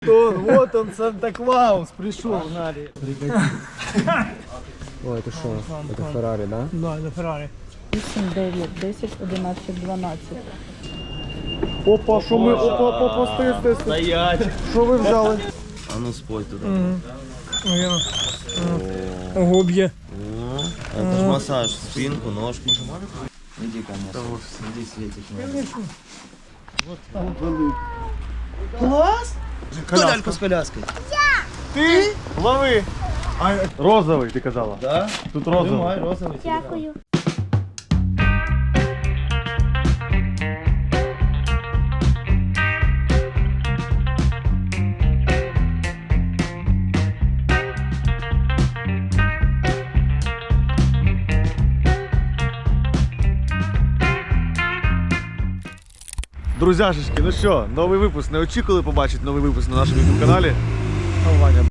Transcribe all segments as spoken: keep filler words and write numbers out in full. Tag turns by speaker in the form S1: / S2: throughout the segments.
S1: Он, вот он, Санта-Клаус, пришел.
S2: О, это что? Это Феррари, да?
S1: Да, это Феррари.
S3: вісім, дев'ять, десять, одинадцять, дванадцять.
S2: Опа, що ми? Опа, опа, опа, стой, стой, стой.
S4: Стоять!
S2: Що ви взяли?
S4: А ну спой туда.
S1: Ого, б'є.
S4: Это ж массаж, спинку, ножку. Иди ко мне. Иди, Светик. Класс! Кто ляльку с коляской?
S2: Ти? Лови! А, розовий, ти казала.
S4: Да?
S2: Тут розовий.
S4: Тримай, розовый.
S3: Дякую.
S2: Друзяшечки, ну що, новий випуск. Не очікували побачити новий випуск на нашому YouTube каналі. О, Ваня.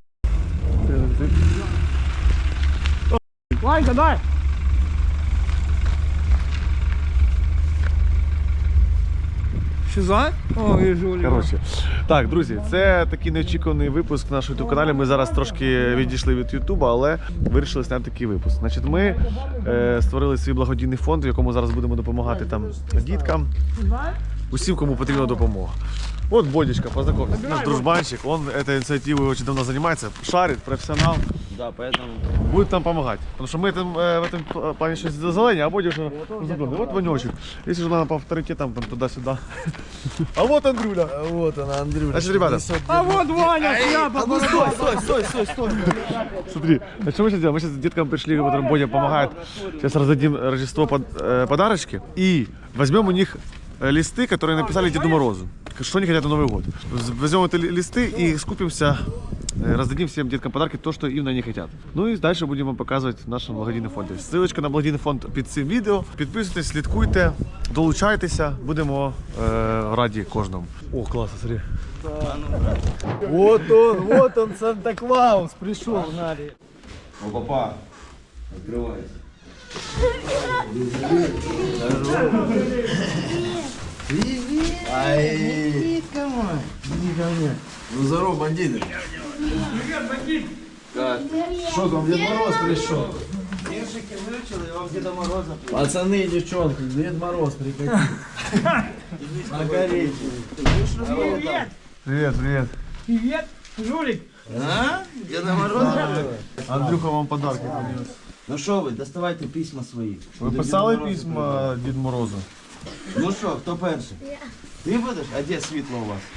S1: Ванька, дай. Шиза? О, і жулі.
S2: Коротше, так, друзі, це такий неочікуваний випуск на нашому YouTube каналі. Ми зараз трошки відійшли від YouTube, але вирішили зняти такий випуск. Значить, ми е, створили свій благодійний фонд, в якому зараз будемо допомагати там діткам, усім, кому потрібна допомога. Вот Бодечка, познакомься, наш дружбанчик, он этой инициативой очень давно занимается, шарит, профессионал,
S4: Да, поэтому...
S2: будет нам помогать. Потому что мы там, э, в этом плане сейчас зазеление, а Бодя уже знакомый. Вот Ванечек, если же надо по авторитетам там туда-сюда. А вот Андрюля.
S1: Вот она, Андрюша.
S2: Значит, ребята,
S1: А вот Ваня, шляпа. Ну стой, стой, стой, стой, стой.
S2: смотри, а что мы сейчас делаем? Мы сейчас деткам пришли, которым Бодя помогает. Сейчас раздадим Рождество под, э, подарочки и возьмем у них листы, которые написали Деду Морозу. Что они хотят на Новый год. Возьмем эти листы и скупимся, раздадим всем деткам подарки, то, что именно они хотят. Ну и дальше будем вам показывать в нашем благодійному фонді. Ссылочка на благодійний фонд під цим відео. Підписуйтесь, слідкуйте, долучайтеся, будемо е, раді кожному. О, класно, смотри.
S1: Вот он, вот он, Санта-Клаус, пришел.
S4: О, папа, открывайся. Привет! Ай! Иди ко мне. Ну здорово, бандиты. Привет, бандит! Как?
S1: Что там, Дед Мороз пришел?
S4: Вешики выручил, и вам Деда Мороза.
S1: Пацаны и девчонки, Дед Мороз прикатил.
S4: На горечи.
S1: Привет!
S2: Привет, привет.
S1: Привет, жулик.
S4: А? Деда Мороза?
S2: Андрюха вам подарки принес.
S4: Ну что вы, доставайте письма свои.
S2: Ви писали письма Дід Морозу?
S4: Ну що, хто перший? Ти будеш? А де світло у вас?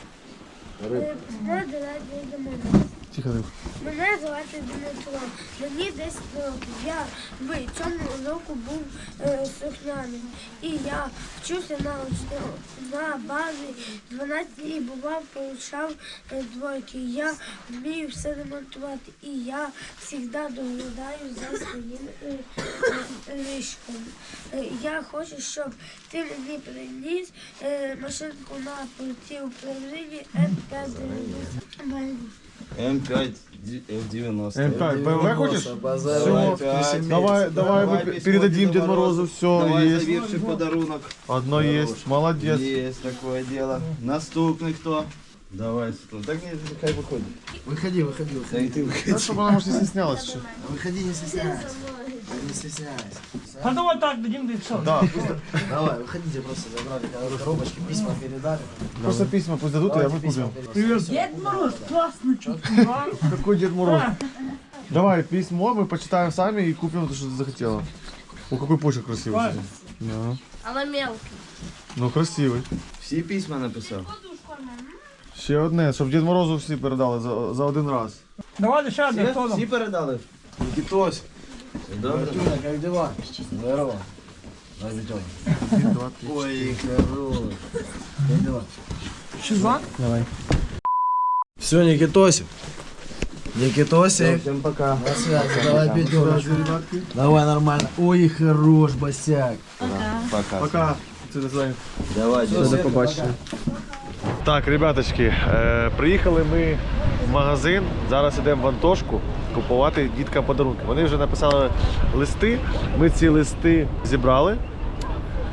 S2: Тихо, Андрюх.
S5: Мене звати Дмитро, мені десять років. Я в цьому року був е, слухняним. І я вчуся на, на базі дванадцять і бував, получав е, двойки. Я вмію все ремонтувати і я завжди доглядаю за своїм е, е, ліжком. Е, я хочу, щоб ти мені приніс е, машинку на пульті управління М п'ять дев'яносто.
S4: М п'ять дев'яносто.
S2: М п'ять, бэ эм вэ хочешь?
S4: Давай,
S2: Все, давай, давай мы
S4: письмо
S2: передадим
S4: Деду
S2: Деду Морозу, все
S4: Давай
S2: есть.
S4: завірший подарунок.
S2: Одно есть, молодец.
S4: Есть такое дело. Наступный кто? Давай, Светлана. Так не, хай выходит.
S1: Выходи, выходи,
S4: Да и ты выходи.
S2: Да, чтобы она, может, не стеснялась еще.
S1: Выходи, не стесняйся. Не стесняйся. А ну вот так дадим, да и все.
S2: Да,
S1: Давай, выходите, просто забрали коробочки, письма передали.
S2: просто письма пусть дадут, и я мы купим.
S1: Привет. Дед Мороз, классно,
S2: Какой Дед Мороз? Давай письмо, мы почитаем сами и купим то, что ты захотела. О, какой почерк красивый. кстати. Да.
S5: Але мелкий.
S2: Ну, красивый.
S4: Всі письма написав.
S2: Ще одне, щоб Дід Морозу всі передали за, за один раз.
S1: Давай ще одне,
S4: Всі,
S1: хто там?
S4: всі передали?
S1: Никитос.
S4: Добре.
S1: Как дела? Здорово. Дай Витёк.
S2: Один, два, три.
S4: Ой, хорош.
S1: Как дела? Шиза?
S2: Давай.
S1: Все, Никитосик. Никитосик.
S4: Всем пока.
S1: На связи, давай пятерочку. Давай нормально. Ой, хорош, босяк.
S4: Пока.
S2: Пока. До свидания.
S4: Давай,
S2: До побачення. Так, ребяточки, е, приїхали ми в магазин. Зараз йдемо в Антошку купувати діткам подарунки. Вони вже написали листи. Ми ці листи зібрали.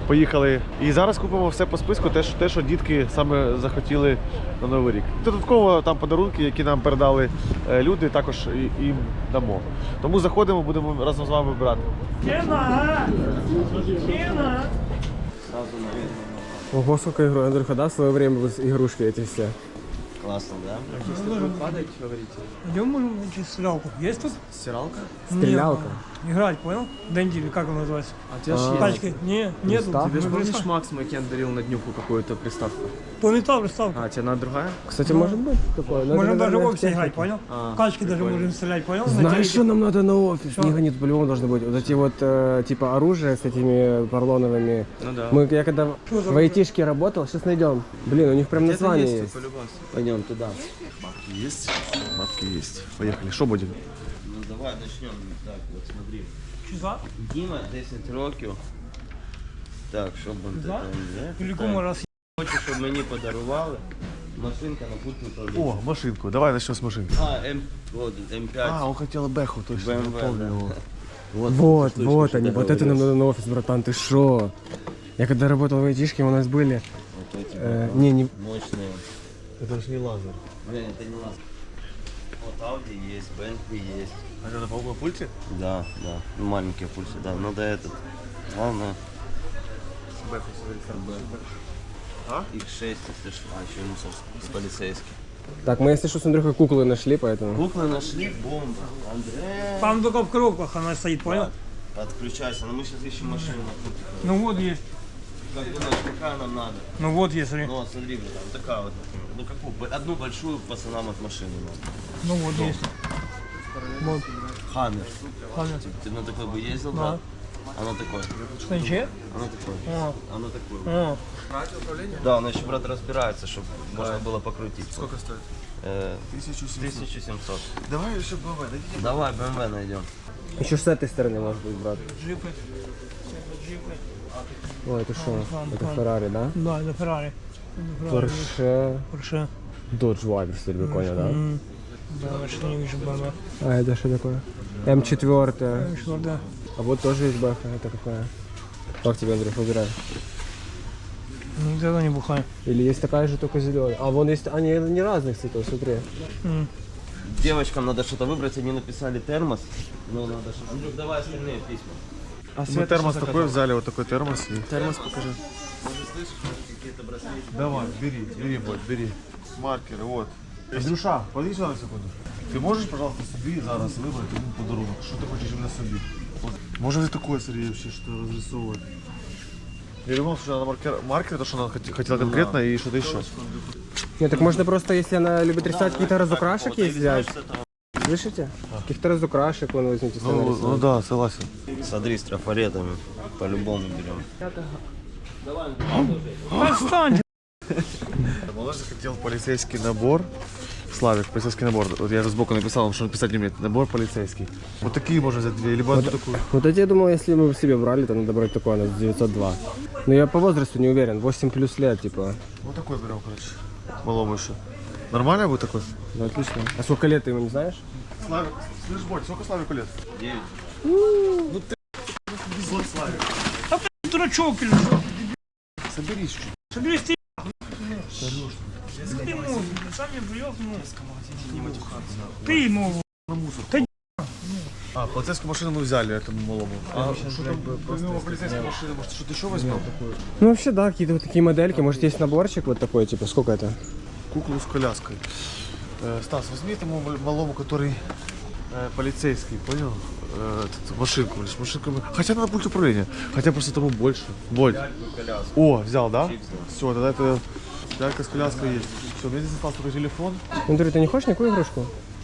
S2: Поїхали. І зараз купимо все по списку, те, що, те, що дітки саме захотіли на Новий рік. Додатково там подарунки, які нам передали е, люди, також і- їм дамо. Тому заходимо, будемо разом з вами брати.
S6: Ого, сколько игру. Андрюха, да, в свое время вот игрушки эти все?
S4: Классно, да?
S7: Идем мы на стиралку. Есть тут?
S4: Стиралка?
S6: Стрелялка.
S7: Нет, играть, понял? Дэнди или как он называется?
S6: А тебя ж
S7: Тачки? Не, нету.
S6: Пристав?
S7: Мы
S6: Тебе
S7: пристав-
S6: Макс Макен дарил на днюху какую-то приставку?
S7: То не та приставка.
S6: А, тебе надо другая? Кстати, может быть такое. но это,
S7: Можем даже в
S6: наверное,
S7: офисе
S6: техника.
S7: играть, понял?
S6: А,
S7: Качки даже можем стрелять, понял? На
S6: Знаешь,
S7: телеке.
S6: что нам надо на офис?
S7: Что?
S6: Не гонит, по-любому должно быть. Вот эти вот, э, типа, оружие с этими поролоновыми.
S4: Ну да.
S6: Мы, я когда
S7: Что за
S6: в айтишке работал, сейчас найдем. Блин, у них прям название есть.
S4: Пойдем туда.
S2: Бабки есть? Бабки есть. Поехали. Что будем?
S4: Ну давай начнем. Так, вот смотри.
S7: Часа?
S4: Дима десять років. Так, щоб он
S7: Да?
S4: це
S7: Или кому раз
S4: Хочу, щоб мені подарували. Машинка на пульт управління.
S2: О, машинку. Давай начнем с машинки.
S4: А, М, вот, М пять.
S2: А, он хотел Бэху, точно.
S4: бэ эм вэ,
S2: помню
S4: да.
S2: его.
S4: Вот,
S6: Вот,
S4: штучка,
S6: вот
S4: что
S6: они,
S4: ты
S6: вот это нам
S4: говоришь.
S6: надо на офис, братан, ты шо? Я когда работал в айтишке, у нас были...
S4: Вот эти
S6: э, не, не...
S4: мощные.
S2: Это же не лазер.
S4: Не, это не лаз. Вот Audi есть, Bentley есть.
S2: А это на полном пульте?
S4: Да, да. Ну, маленькие пульсы, да. Надо этот. Главное.
S2: А?
S4: икс шесть, если что. А, еще мусор с полицейским.
S6: Так, мы, если что, с Андрюхой куклы нашли, поэтому...
S4: Куклы нашли, бомба. Андрей.
S7: Там только в коробках она стоит, понял?
S4: Отключайся, но мы сейчас ищем машину.
S7: Ну вот есть.
S4: Как думаешь, какая нам надо?
S7: Ну вот есть, смотри.
S4: Ну вот смотри, братан, такая вот, например. Ну какую? Б- Одну большую пацанам от машины надо.
S7: Ну вот есть. Вот.
S4: Хаммер.
S7: Ладно.
S4: Ты на такой бы ездил,
S7: Да.
S4: брат? Она такой.
S7: Что, ничего?
S4: Она такой.
S7: О,
S4: Она такой.
S7: о.
S4: Да, она еще, брат, разбирается, чтобы можно было покрутить.
S2: Сколько стоит?
S4: Э,
S2: тысяча семьсот.
S4: тысяча семьсот.
S2: Давай еще бэ эм вэ, дадите?
S4: Давай, бэ эм вэ найдем.
S6: Еще с этой стороны, может быть, брат.
S7: Джипы. Джипы.
S6: Ой, это что?
S7: Вон,
S6: Это
S7: вон.
S6: Феррари, да?
S7: Да, это Феррари.
S6: Порше...
S7: Порше.
S6: Dodge Viper, если вы поняли, да?
S7: М. Да, что не вижу бэ эм вэ.
S6: А это что такое? эм четыре.
S7: Что, да.
S6: А вот тоже есть бэха, это какая? Как тебе, Андрей, выбирай?
S7: Никогда не бухаю.
S6: Или есть такая же, только зеленая? А вон есть, они не разных цветов, смотри.
S7: М.
S4: Девочкам надо что-то выбрать, они написали термос. Ну, надо что-то. Андрюх, давай остальные письма.
S6: А
S2: Мы термос такой взяли, вот такой термос. И...
S6: термос покажи.
S4: Какие-то браслеты.
S2: Давай, бери, бери, бот, бери. Маркеры, вот. Андрюша, подойди сюда на секунду. Ты можешь, пожалуйста, собі зараз вибрати один подарунок? Що ти хочеш іменно собі? От. Може ви такое, Сергій, вообще, что разрисовывать? Я думал, что надо маркер, маркер, то, что она хот- хотела конкретно, и что-то еще.
S6: Нет, так можно просто, если она любит рисовать, какие-то разукрашек
S4: Вот,
S6: есть
S4: или знаешь,
S6: взять.
S4: что это?
S6: Слышите? Каких-то разукрашек вон возьмите. сами
S2: Ну, ну
S6: рисовать.
S2: да, согласен.
S4: Смотри, с трафаретами. По-любому берем.
S7: Отстань!
S2: Малыш захотел полицейский набор. Славик, полицейский набор. Вот я сбоку написал вам, что написать не умеет. Набор полицейский. Вот такие можно взять две, либо одну такую.
S6: Вот эти, я думал, если мы себе брали, то надо брать такой, она девятьсот два. Но я по возрасту не уверен, восемь плюс лет, типа.
S2: Вот такой берем, короче. Малому еще. Нормально будет такой?
S6: Ну, отлично. А сколько лет ты ему не знаешь?
S2: Славик, слышь, Бодь, сколько Славику лет?
S4: Девять.
S7: Дурачок или что?
S2: Соберись чуть.
S7: Соберись ты. Ты ему, сам мне привез, ну. Ты ему.
S2: А, полицейскую машину мы взяли этому малому. А что там, помимо полицейской машины, может, что-то еще возьмем?
S6: Ну, вообще, да, какие-то вот такие модельки. Может, есть наборчик вот такой, типа, сколько это?
S2: Куклу с коляской. Э, Стас, возьми этому малому, который э, полицейский, понял? Э, этот, машинку, лишь машинку. Хотя надо пульт управления. Хотя просто тому больше. Бодь. О, взял, да? Все, тогда это лялька с коляской есть. Все, мне здесь остался только телефон.
S6: Андрей, ты не хочешь никакую игрушку?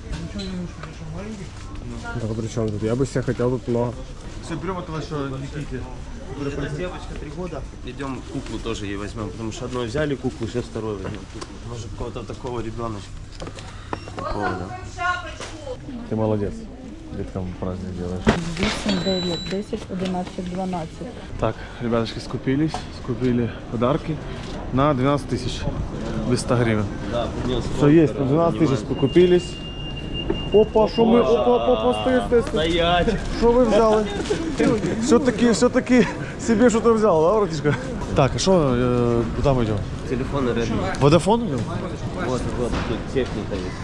S6: Так, а при чем тут? Я бы себе хотел тут много.
S2: Все, берем этого еще Никите.
S4: Это девочка три года. Идем куклу тоже ей возьмем, потому что одной взяли куклу, сейчас второй возьмем куклу. Может, какого-то такого ребеночка. Такого, да.
S2: Ты молодец. Деткам праздник делаешь.
S3: вісім, дев'ять, десять, одинадцять, дванадцять.
S2: Так, ребяточки скупились, скупили подарки на двенадцать тысяч без ста гривен.
S4: Да, принес.
S2: Все есть, на двенадцать тысяч покупились. Опа, що ми, опа, опа, опа, стой, стой, стой.
S4: Стоять!
S2: Що ви взяли? Все-таки, все-таки себе що-то взял, да, братишка? Так, а що, э, куда мы идем?
S4: Телефон Redmi.
S2: Водофон идем?
S4: Вот, вот, тут техника есть.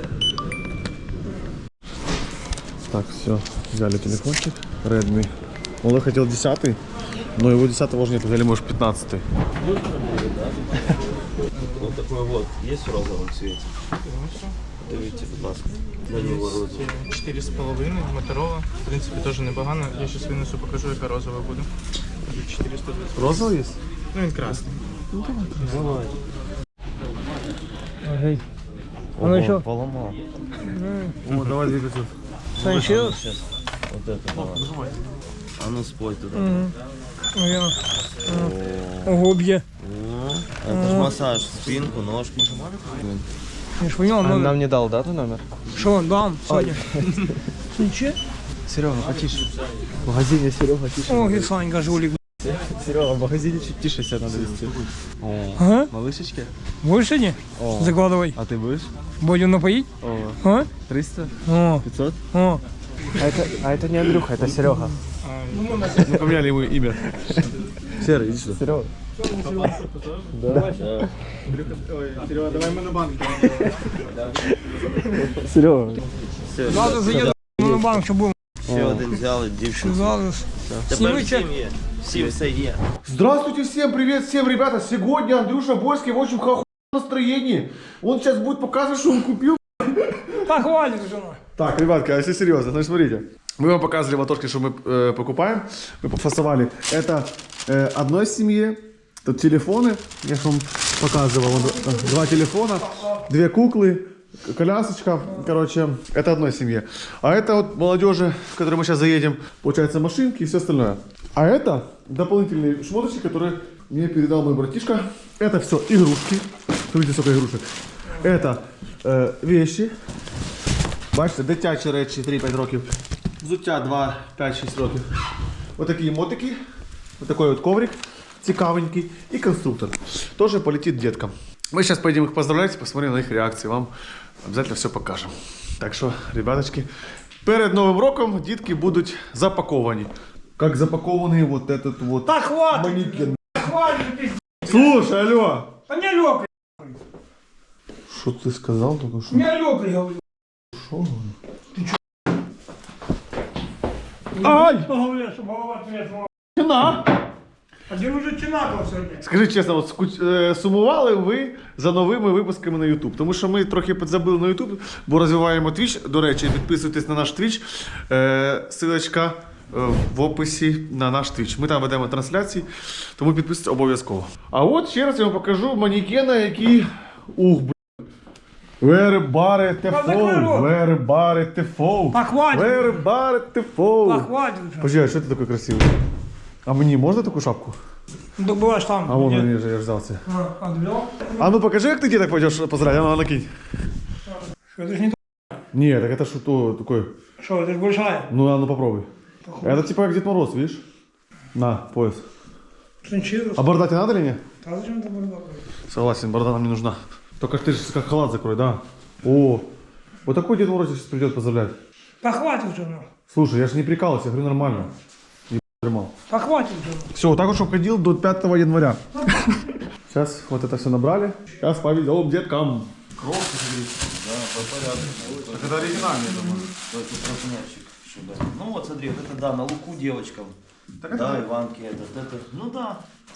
S2: Так, все, взяли телефончик Redmi. Он хотел десятый, но его десятого уже нет, взяли, может, пятнадцатый.
S4: Вот такой вот, есть в розовом цвете? Дивіться, будь ласка, на нього розовий.
S7: чотири з половиною, Моторола. В принципі, теж непогано. Я зараз винесу, покажу, яка розова буде. чотириста двадцять.
S2: Розовый есть?
S7: Ну, він красний.
S4: Давай.
S6: А ну еще?
S4: Поломал.
S2: О, давай две пятьсот.
S6: Санчес?
S4: Сейчас. Вот это давай. А ну спой туда.
S6: Ого, б'є.
S4: О, это ж массаж, спинку, ножку.
S6: Я ж понял, номер.
S1: Нам не дал, да, ты номер?
S6: Что, дам, Саня? Санчес?
S1: Серега, потише. В магазине Серега тише.
S6: Ох, и Санька жулик.
S1: Серега, в магазине чуть тише себя надо вести.
S6: Ага.
S1: Малышечки?
S6: Будешь сегодня?
S1: О.
S6: Закладывай.
S1: А ты будешь?
S6: Будем напоить?
S1: О,
S6: А?
S1: триста?
S6: О,
S1: пятьсот?
S6: о.
S1: А это, а это не Андрюха, это Серега.
S2: Мы поменяли ему имя. Серый, иди сюда.
S1: Серега.
S7: Серега, давай ми на банк.
S1: Серега.
S6: Надо заедать на банк, чтобы был.
S4: Ще один взяли, дівчинку.
S6: Зараз.
S4: Тепер
S6: Снімите.
S4: всім є. Всім все є.
S2: Здравствуйте всем, привет всем, ребята. Сегодня Андрюша Борский в очень хохуенном настроении. Он сейчас будет показывать, что он купил.
S6: Так, хватит уже.
S2: Так, ребятки, а если серьезно, значит, смотрите. Мы вам показывали ватошки, что мы э, покупаем. Мы пофасовали. Это э, одной семье. Тут телефоны. Я же вам показывал. Вот, э, два телефона, две куклы, к- колясочка. Короче, это одной семье. А это вот молодежи, в которой мы сейчас заедем. Получается, машинки и все остальное. А это дополнительные шмоточки, которые мне передал мой братишка. Это все игрушки. Смотрите, сколько игрушек. Это э, вещи. Бачите, дитячі речі три-п'ять років. Взуття два, п'ять, шість років. Ось такі мотики. Ось такий от коврик цікавенький. І конструктор. Тоже полетит деткам. Мы сейчас поедем их поздравлять, посмотрим на их реакции. Вам обязательно все покажем. Так что, ребяточки, перед Новым роком дітки будут запаковані. Как запакованный вот этот вот
S6: Так, хватит.
S2: манекен.
S6: Хватит, ты.
S2: Слушай, алло.
S6: Да не лёкай.
S2: Что ты сказал только что?
S6: Не лёкай, говорю.
S2: Шо?
S6: Ай! Говорят, что голова ответила.
S2: На!
S6: А где уже чинакал сегодня?
S2: Скажіть чесно, от скуч- е, сумували ви за новими випусками на YouTube? Тому що ми трохи підзабили на YouTube, бо розвиваємо Twitch. До речі, підписуйтесь на наш Twitch. Е, Силочка е, в описі на наш Twitch. Ми там ведемо трансляції, тому підписуйтесь обов'язково. А от ще раз я вам покажу манекена, який... Ух, б***. Вери бари тефоу, вери бари тефоу,
S6: Так, хватит.
S2: вери бари тефоу.
S6: Так, хватит уже.
S2: Подожди, а що ти такий красивий? А мені можна таку шапку?
S6: Ну, так бываешь там.
S2: А вон
S6: Нет.
S2: мені вже я ж взяв це.
S6: А, отвел.
S2: А ну покажи, как ты деток пойдешь поздравить, а ну накинь.
S6: Что, это ж не то.
S2: Не, так это что такое?
S6: Что, это ж большая.
S2: Ну, а ну попробуй. Это типа как Дед Мороз, видишь? На, пояс.
S6: Шинчирус.
S2: А борода тебе надо или нет?
S6: А зачем это борода?
S2: Согласен, борода нам не нужна. Только ты же как халат закрой, да? О, вот такой Дед Мороз сейчас придет поздравлять.
S6: Так хватит уже, ну.
S2: Слушай, я же не прикалывался, я говорю нормально. Не дерьмал.
S6: Так хватит уже. Ну.
S2: Все, вот так вот, чтобы ходил до пятого января. Сейчас вот это все набрали. Сейчас повезем деткам. Кровь,
S4: Да, по порядку.
S2: Так это оригинальный, я думаю.
S4: Только крупнящик. Сюда. Ну вот смотри, вот это да, на луку девочкам.
S2: Так это-
S4: Да, Иванке этот, это. Ну да.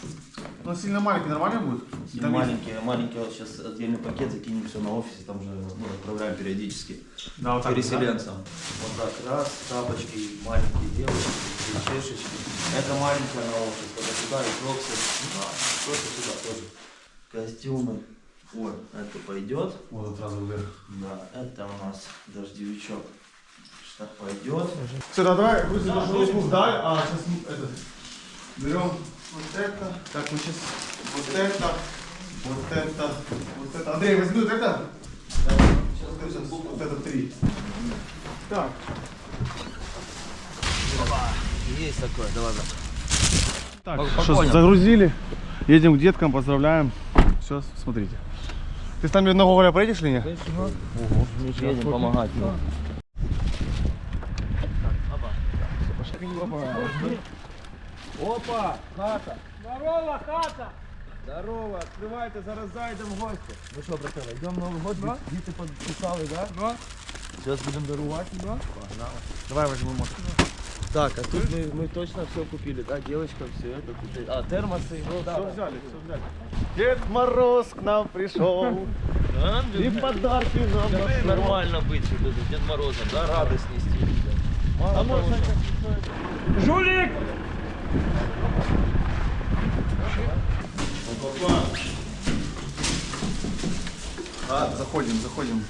S2: Но сильно маленький, нормально будет?
S4: И
S2: Там есть-
S4: маленькие, маленькие вот сейчас отдельный пакет закинем все на офисе, там же ну, отправляем периодически.
S2: Да, вот так.
S4: Переселенцам. Вот так, раз, тапочки, маленькие девочки, и чешечки. Это маленькая на офис, это сюда и кроксы. Ну да, кроксы сюда тоже. Костюмы. Вот, это пойдет.
S2: Вот вот сразу вверх.
S4: Да, это у нас дождевичок. Что пойдет.
S2: Все, да, давай, грузим нашу руку вдаль, а сейчас мы это, берем вот это, так, мы сейчас вот это, вот это, вот это. Андрей, возьми вот это. Сейчас, сейчас, вот это три. Так.
S4: Есть такое, давай, давай.
S2: Так, что, загрузили, едем к деткам, поздравляем. Все, смотрите. Ты с нами на Гоголя поедешь или нет?
S4: Едем помогать. Опа, хата. Здорово, хата. Здорово, открывайте, зараз зайдем в гости. Ну что, братаны, идем Новый год, да? Діти подписали, да? Да. Сейчас будем дарувати, да? Погнали.
S2: Давай возьмем мотор.
S4: Так, а тут мы, мы точно все купили, да? Девочка, все это купили. А, термосы, ну да.
S2: Все взяли, все взяли. Дед Мороз к нам пришел. И подарки нам
S4: Нормально быть Дед Морозом, да? Радость нести. Мало того, что...
S2: Жулик! А, заходим, заходим.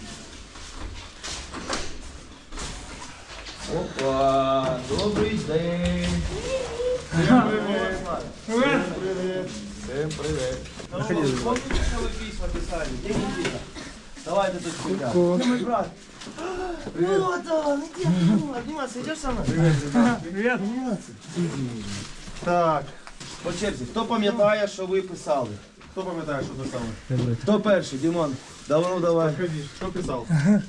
S4: Опа, добрый день.
S2: Всем привет. Привет. Привет.
S4: Всем привет. Помните, что вы письма писали? Где Никита? Давайте тут сюда. Где мой брат? Вот он, иди, обниматься, идешь со мной?
S2: Привет. Так,
S4: По черзі, хто пам'ятає, що ви писали?
S2: хто пам'ятає, що писали?
S4: Хто перший, Дімон? Давно давай.
S2: Ходи, що писав?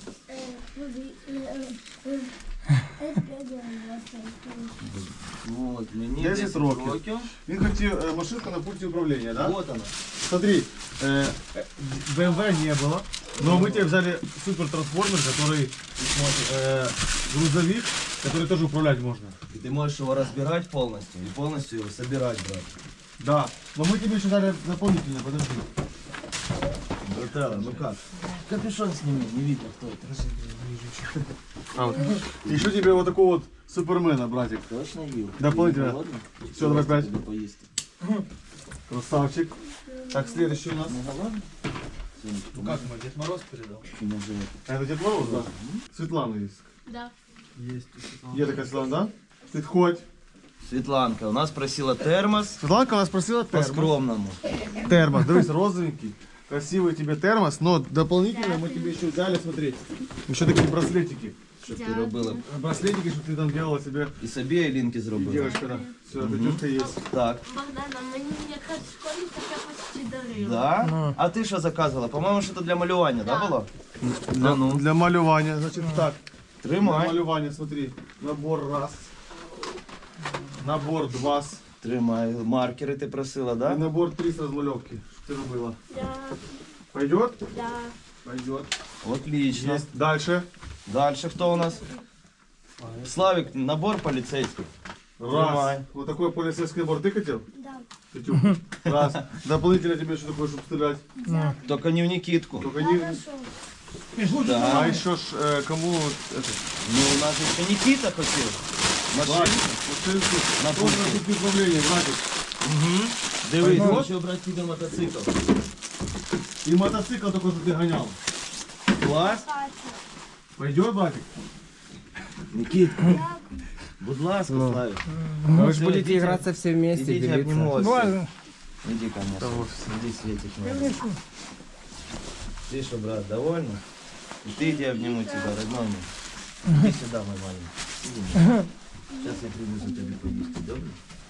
S4: Вот, мені
S2: десять років. Він хотів е, машинку на пульті управління, да?
S4: Вот она.
S2: Смотри, э, бэ эм вэ не было, но мы тебе взяли супер трансформер, который э, грузовик, который тоже управлять можно.
S4: И ты можешь его разбирать полностью и полностью его собирать, брат.
S2: Да, но мы тебе еще дали дополнительно, подожди.
S4: Брателло, ну как? Капюшон сними, не видно, кто это.
S2: А, вот. Еще тебе вот такого вот супермена, братик.
S4: Точно ел?
S2: Дополнительно.
S4: Голодный?
S2: Всё, давай пять.
S4: Тебе поесть.
S2: Красавчик. Так, следующий у нас.
S4: Не голодный?
S1: Ну как мы, Дед Мороз передал?
S2: Это Дед Мороз, да? Светлана есть.
S5: Да.
S1: Есть.
S2: Є така Светлана, да? Підходь.
S4: Светланка у нас просила термос
S2: Светланка у нас просила
S4: по
S2: термос.
S4: скромному.
S2: Термос, дивись, розовенький. Красивый тебе термос, но дополнительно мы тебе еще взяли, смотри, еще такие браслетики.
S4: Щоб ти робила.
S2: Браслетики, чтобы ты там делала себе.
S4: І собі, і Лінки
S2: И
S4: зробила.
S2: девочка, да. Все, Катюшка есть.
S4: Так.
S5: Богдана, мені якраз в школі таке почти дарила.
S4: Да? А ти що заказувала? По-моєму, що це для малювання, да, було?
S2: Для,
S4: ну.
S2: для малювання, значит, так. Для
S4: Тримай.
S2: малювання, смотри. Набор раз. Набор два.
S4: Тримай. Маркери ти просила,
S2: И
S4: да?
S2: набор три с размалевки. Что ты робила?
S5: Да,
S2: Пойдет?
S5: да.
S2: Пойдет.
S4: Отлично.
S2: Есть. Дальше.
S4: Дальше хто у нас? Славик, набор поліцейський.
S2: Раз.
S4: Тримай.
S2: Вот такой полицейский набор ты хотел?
S5: Да.
S2: Катюха. Раз. Дополнительно тебе еще такое, чтобы стрелять.
S4: Тільки не в Нікітку.
S2: Только не...
S5: Хорошо.
S2: А
S4: Да.
S2: еще ж э, кому... Это,
S4: Ну, у нас же ще Нікіта хотів.
S2: Братик,
S4: Машину.
S2: машинку.
S4: На
S2: Тоже
S4: пульте.
S2: на пульте управления, братик.
S4: Дивись,
S2: Пойдет?
S4: хочу брати тебе мотоцикл.
S2: И мотоцикл такой, чтобы ты гонял.
S4: Клас.
S2: Пойдет, братик?
S4: Нікіт, будь ласка, Славик.
S6: Вы же
S4: Всё,
S6: будете
S4: идите.
S6: играться все вместе,
S4: Идите, обниму
S6: делиться.
S4: вас. всех. Иди, конечно. Иди, Светик. надо. Ты что, брат, довольна? И ты иди, обниму тебя, родной мой. Иди сюда, мой маленький. Иди. Сейчас я принесу тебе поесть, добро?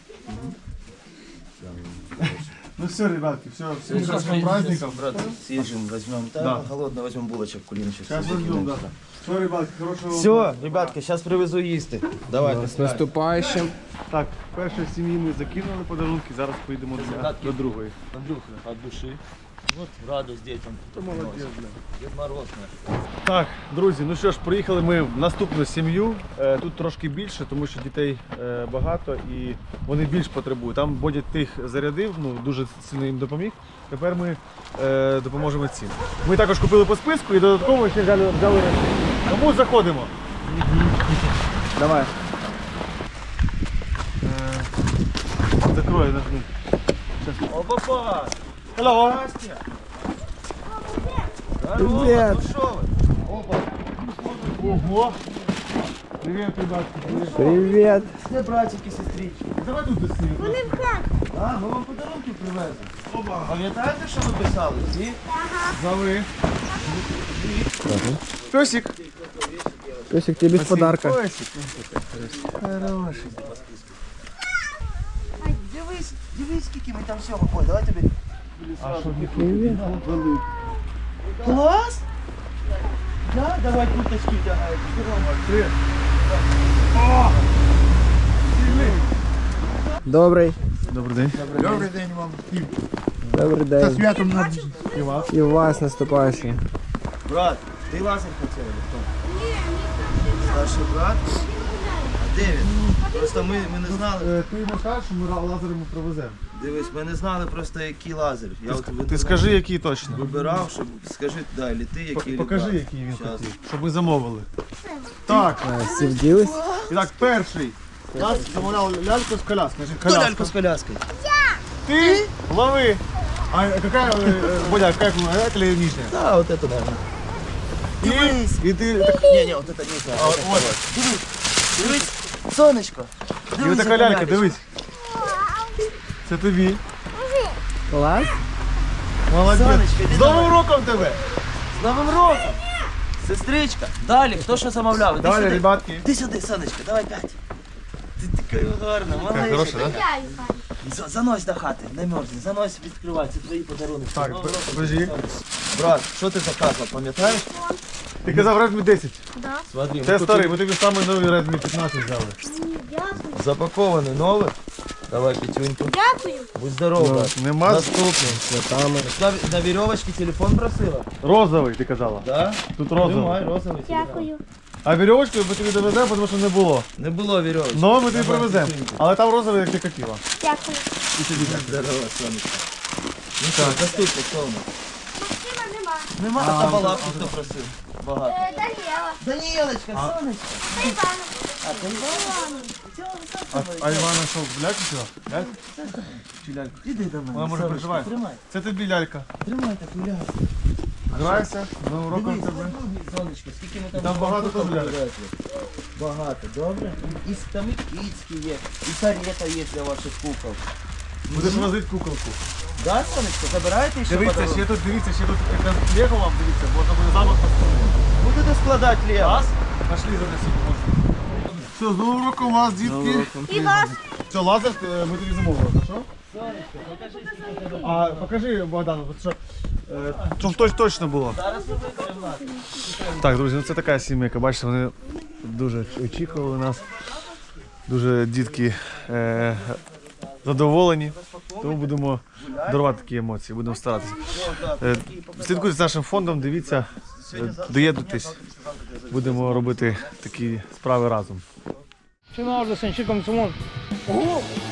S4: Да, хорошо.
S2: Ну все, ребятки, все, всем
S4: Сейчас
S2: хороших праздников.
S4: брат, съездим, возьмем. Да,
S2: Да.
S4: голодно возьмем булочек, кулиночек.
S2: Сейчас возьмем, да. Все, ребятки, хорошего вам
S4: Все, ребятки, сейчас привезу їсти. Давайте.
S6: С наступающим.
S2: Так, перший сімейний закинули подарунки, зараз поїдемо до, до другої.
S4: Андрюха, от души. Вот радость детям.
S2: Ти молодець, бля.
S4: Дед Мороз.
S2: Так, друзі, ну що ж, приїхали ми в наступну сім'ю. Е, Тут трошки більше, тому що дітей е, багато і вони більш потребують. Там Бодя тих зарядив, ну дуже сильно їм допоміг. Тепер ми е, допоможемо цим. Ми також купили по списку і додатково ще взяли, взяли речі. Тому заходимо. Давай. Е, Закрой, нажми.
S4: О, папа!
S2: Hello.
S4: Здрасте! Здорово,
S6: Привет.
S4: ну шо вы? Опа!
S2: Ого. Привет, ребятки. Привет.
S6: Привет.
S4: Все братики, сестрички.
S2: Давай тут з ними.
S4: А, ми вам подарунки привезли. Пам'ятаєте, що ви писали? Всі?
S2: Зови. Песик.
S6: Песик, тебе без подарка.
S2: Песик.
S4: Хороший. Ай, дивись, дивись, скільки ми там всього. Ой, давай тобі.
S2: А що не
S6: Привет.
S4: Клас? Да, давай курточки тягай.
S6: Добрий.
S2: Добрий день.
S1: Добрий день вам.
S6: Добрий
S1: Та
S6: день.
S1: святом на і вас.
S6: І вас наступаючий.
S4: Брат, ти лазер хотів? Хто? Старший брат? А де він? Просто ми, ми не знали.
S2: Ти йому кажеш, що ми лазер йому привеземо.
S4: Дивись, ми не знали просто який лазер. Я от в
S2: Ти скажи, який точно.
S4: вибирав, щоб скажи, да, или ти, який или
S2: Покажи,
S4: брат.
S2: який він
S4: Щас.
S2: хотів, щоб ми замовили. Так,
S6: А, всі вділись?
S2: і так, перший. Нас замовляв ляльку з коляскою. Скажи,
S4: Хто
S2: коляска.
S4: ляльку з коляскою?
S2: Ти? Лови. А какая, э, Бодя, какая клубная, это или нижняя?
S4: Да, вот это, наверное.
S2: И, и ты, так,
S4: Не, не, вот это не знаю.
S2: а,
S4: вот
S2: вот,
S4: Дивись, дивись, сонечко.
S2: і
S4: Дивись,
S2: така
S4: яка
S2: лялька,
S4: лялька.
S2: дивись. Це тобі.
S6: Клас?
S2: Молодець.
S4: Сонечко, іди
S2: З Новим
S4: давай.
S2: роком тебе.
S4: З Новим роком! Сестричка. Далі, хто що замовляв? Іди
S2: Далі,
S4: сюди.
S2: ребятки.
S4: Іди сюди, сонечко, давай п'ять. Ти така гарна,
S2: Така
S4: малечка.
S2: хороша, да?
S4: За- Занось до хати, не мерзни, занось, відкривай, це твої подарунки.
S2: Так,
S4: З Новим роком,
S2: подожди.
S4: сонечко. Брат, що ти заказував, пам'ятаєш?
S2: Ти казав Redmi десять.
S4: Смотри,
S2: Це
S4: ми
S2: старий, ми тобі самий новий Redmi п'ятнадцять взяли.
S4: запакований новий. Давай п'ятюньку.
S5: Дякую.
S4: Будь здоров, брат.
S2: Нема з-
S4: Наступний.
S6: Святами.
S4: На, на вірьовочці телефон просила?
S2: розовий, ти казала.
S4: Да?
S2: Тут розовий.
S4: Тримай, розовий телефон.
S5: Дякую.
S2: А вірьовочку ми тобі довеземо, тому що не було.
S4: Не було вірьовочки.
S2: Но ми тобі
S4: Давай,
S2: привеземо.
S4: п'ятюньку.
S2: Але там розовий, як ти хотіла.
S5: Дякую.
S4: Здорово, сонечко. Ну що, наступний, хто у нас?
S5: Максима нема.
S4: Нема така балапки, хто просив. Багато.
S5: Е, Даніела.
S4: Даніелочка, сонечко.
S5: Та Івана.
S4: А ти Івана.
S2: А, а Івана що, ляльку сюди? Ляльку? Чи ляльку?
S4: Іди до мене.
S2: Вона може
S4: сонечко,
S2: переживає.
S4: Тримай,
S2: Це тобі лялька.
S4: тримай таку ляльку.
S2: Грайся, з Новим роком
S4: Дивись,
S2: тебе.
S4: сонечко, скільки ми там
S2: Там багато
S4: штук
S2: теж ляльок.
S4: привезли. Багато, добре? І с- там і кицькі є, і карета є для ваших кукол.
S2: Будеш возити куколку.
S4: Да, сонечко, забираєте ще
S2: Дивіться,
S4: подарунок?
S2: ще тут, дивіться, ще тут якраз Лего вам, дивіться, можна буде замок поставити.
S4: Будете складати Лего?
S2: Раз, пошли занесемо. Все, з Новим роком вас, дітки.
S5: І вас.
S2: Все, лазер е, ми тобі замовили, хорошо? А покажи, Богдан, от що, е, щоб точ, точно було. Так, друзі, ну це така сімейка, бачите, вони дуже очікували нас. Дуже дітки е, задоволені, тому будемо дарувати такі емоції, будемо старатися. Е, слідкуйте за нашим фондом, дивіться, е, доєднуйтесь, будемо робити такі справи разом.
S8: Чи можна сенчиком цьому?
S4: Ого,